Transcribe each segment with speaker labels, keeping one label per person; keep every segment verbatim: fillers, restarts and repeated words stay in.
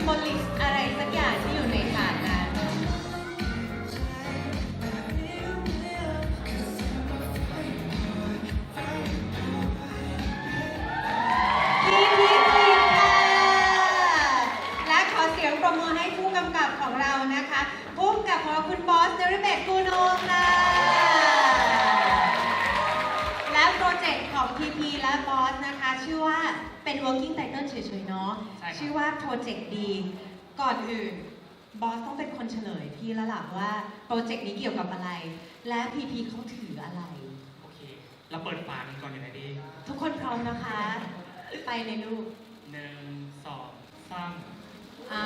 Speaker 1: มบลิกอะไรสักอย่างที่อยู่ในถาดนั้นพี่พี่พี่ค่ะและขอเสียงปรบมือให้ผู้กำกับของเรานะคะผู้กำกับของเราคุณบอสนฤเบศ กูโนค่ะและโปรเจกต์ของ พี พี และบอสนะคะชื่อว่าเป็น working title เฉยๆเนาะชื่อว่าโปรเจกต์ดีก่อนอื่นบอสต้องเป็นคนเฉลยพี่แล้วล่ะว่าโปรเจกต์นี้เกี่ยวกับอะไรและ พี พี เขาถืออะไร
Speaker 2: โอเคเราเปิดฝากันก่อนอย่างไรดี
Speaker 1: ทุกคนพร้อมนะคะไปเลยลูก
Speaker 2: หนึ่งสองสาม
Speaker 1: อ่า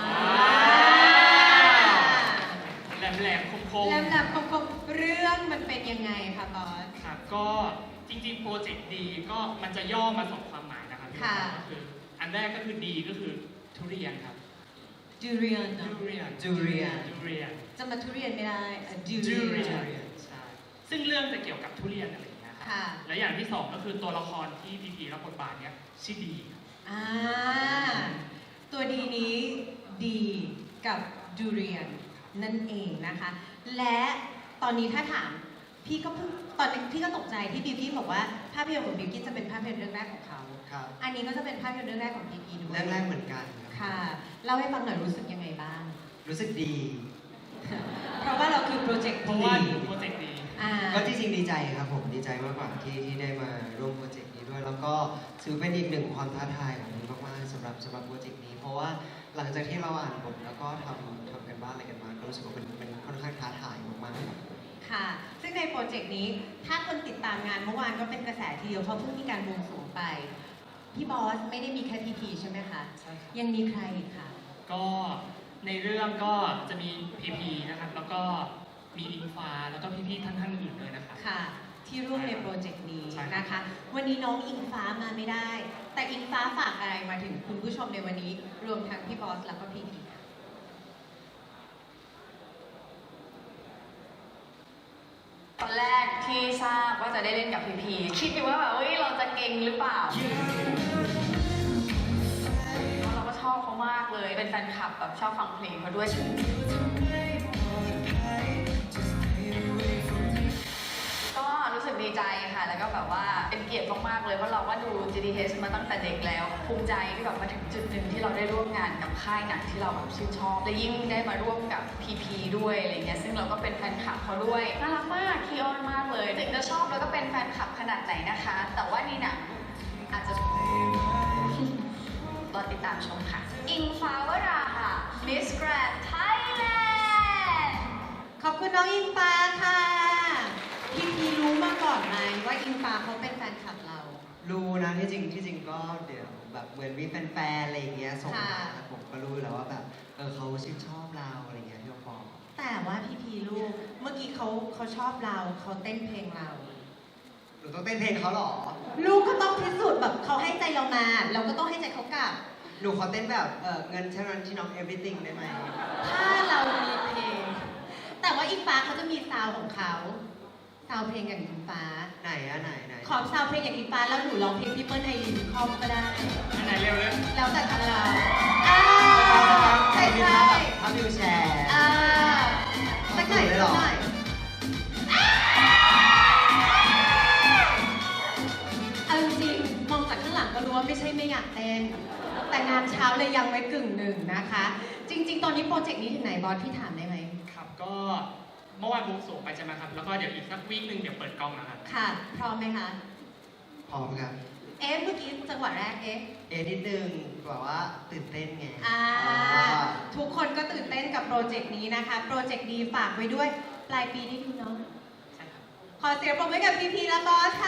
Speaker 2: แหลมแหลมคมคม
Speaker 1: แหลมแหลมคมคมเรื่องมันเป็นยังไงคะบอส
Speaker 2: ครับก็จริงๆโปรเจกต์ดีก็มันจะย่อมาสองความหมายนะครับ
Speaker 1: ค่ะ
Speaker 2: ก็คืออันแรกก็คือดีก็คือทุเรียนครับ
Speaker 1: ดูเรียน
Speaker 2: ดูเรียน
Speaker 1: ดูเรียน
Speaker 2: ดูเรียน
Speaker 1: จะมาทุเรียนไม่ได้ดูเรียน
Speaker 2: ใช่ซึ่งเรื่องจะเกี่ยวกับทุเรียนอะไรอย่างเงี้ยครับและอย่างที่สองก็คือตัวละครที่พีพีรับบทบาทเนี้ยชื่อดี
Speaker 1: อ่าตัวดีนี้ดีกับดูเรียนนั่นเองนะคะและตอนนี้ถ้าถามพี่ก็เพิ่งตอนนี้พี่ก็ตกใจที่บิวกิ้นบอกว่าภาพยนตร์ของบิวกิ้นจะเป็นภาพยนตร์เรื่องแรกของเขา
Speaker 3: ครับ
Speaker 1: อันนี้ก็จะเป็นภาพยนตร์เรื่องแรกของพีพีด้วย
Speaker 3: เรื่องแรกเหมือนกัน
Speaker 1: ค่ะเล่าให้ฟังหน่อยรู้สึกยังไงบ้าง
Speaker 3: รู้สึกดี
Speaker 1: เพราะว่าเราคือโปรเจกต์
Speaker 2: เพราะว่าโปรเจกต์ดี
Speaker 3: ก็จริงๆดีใจครับผมดีใจมากกว่าที่ที่ได้มาร่วมโปรเจกต์นี้ด้วยแล้วก็ถือเป็นอีกหนึ่งความท้าทายของผมมากๆสำหรับสำหรับโปรเจกต์นี้เพราะว่าหลังจากที่เราอ่านบทแล้วก็ทำทำกันบ้านอะไรกันมาก็รู้สึกว่าเป็นเป็นค่อนข้างท้าทายมากๆ
Speaker 1: ค่ะซึ่งในโปรเจกต์นี้ถ้าคนติดตามงานเมื่อวานก็เป็นกระแสทีเดียวเพราะเพิ่งมีการบวงสรวงไปพี่บอสไม่ได้มีแค่พีพีใช่ไหมคะ
Speaker 2: ใช่ครับ
Speaker 1: ยังมีใครอีกคะ
Speaker 2: ก็ในเรื่องก็จะมีพีพีนะครับแล้วก็มีอิงฟ้าแล้วก็พี่ๆท่านท่านอื่นด้วยนะครับ
Speaker 1: ค่ะที่ร่วมในโปรเจกต์นี้นะคะวันนี้น้องอิงฟ้ามาไม่ได้แต่อิงฟ้าฝากอะไรมาถึงคุณผู้ชมในวันนี้รวมทั้งพี่บอสแล้วก็พีพี
Speaker 4: ตอนแรกที่ทราบว่าจะได้เล่นกับพีพีคิดอยู่ว่าแบบเฮ้ยเราจะเก่งหรือเปล่าเราก็ชอบเขามากเลยเป็นแฟนคลับแบบชอบฟังเพลงเขาด้วยก็รู้สึกดีใจค่ะแล้วก็แบบว่าเป็นเกียรติมากๆเลยเพราะเราก็ดู จี ดี เอช มาตั้งแต่เด็กแล้วภูมิใจที่แบบมาถึงจุดหนึ่งที่เราได้ร่วมงานกับค่ายหนังที่เราแบบชื่นชอบและยิ่งได้มาร่วมกับ พี พี ด้วยอะไรเงี้ยซึ่งเราก็เป็นแฟนคลับเขาด้วยน่ารักมากคีออนมากเลยถึงจะชอบแล้วก็เป็นแฟนคลับขนาดไหนนะคะแต่ว่านี่หนังอาจจะรอติดตามชมค่ะอิงฟ้าวราค่ะ Miss Grand Thailand
Speaker 1: ขอบคุณน้องอิงฟ้าค่ะพี่พีรู้มาก่อนไหมว่าอิงฟ้าเขาเป็นแฟนคลับเรา
Speaker 3: รู้นะที่จริงที่จริงก็เดี๋ยวแบบเหมือนมีแฟนๆอะไรอย่างเงี้ยส่งมาผมก็รู้แล้วว่าแบบเออเขาชื่นชอบเราอะไรเงี้ยพี่ปอ
Speaker 1: แต่ว่าพี่พีลูกเมื่อกี้เขาเขาชอบเราเขาเต้นเพลงเรา
Speaker 3: หนูต้องเต้นเพลงเขาหรอ
Speaker 1: ลูกก็ต้องพิสูจน์แบบเขาให้ใจเรามาเราก็ต้องให้ใจเขากลับ
Speaker 3: หนูขอเต้นแบบเออเงินเท่านั้นที่น้อง everything ได้ไหม
Speaker 1: ถ้าเรามีเพลงแต่ว่าอิงฟ้าเขาจะมีซาวของเขาซาวเพลงอย่างอิงฟ้า
Speaker 3: ไหนอะไหนไหน
Speaker 1: ขอซาวเพลงอย่างอิงฟ้าแล้วหนูร้องเพลงพี่เปิ้ลไอรินคอมก็ได้
Speaker 2: ไหนเร็วเลย
Speaker 1: แล้วแต่ทางเราอ่าใช่ใช่
Speaker 3: ทำวิวแชร์
Speaker 1: อ่าสักหน่อยสักหน่อยเอาจริงมองจากข้างหลังก็รู้ว่าไม่ใช่ไม่อยากเต้นแต่งานเช้าเลยยังไว้กึ่งหนึ่งนะคะจริงๆตอนนี้โปรเจกต์นี้ถึงไหนบอสพี่ถามได้ไหม
Speaker 2: ครับก็เมื่อวานบวงสรวงไปใช่ไหมครับแล้วก็เดี๋ยวอีกสักวีคนึงเดี๋ยวเปิดกล้องนะครับ
Speaker 1: ค่ะพร้อมไหมคะ
Speaker 3: พร้อมครับ
Speaker 1: เอ๊ะเมื่อกี้จังหวะแรกเอ๊ะ
Speaker 3: เอ๊ะนิดนึงแบบว่าตื่นเต้นไง
Speaker 1: อ่าทุกคนก็ตื่นเต้นกับโปรเจกต์นี้นะคะโปรเจกต์นี้ฝากไว้ด้วยปลายปีได้ดูเนาะ
Speaker 2: ใช่ครับ
Speaker 1: ขอเสียงปรบมือให้กับพีพีและบอส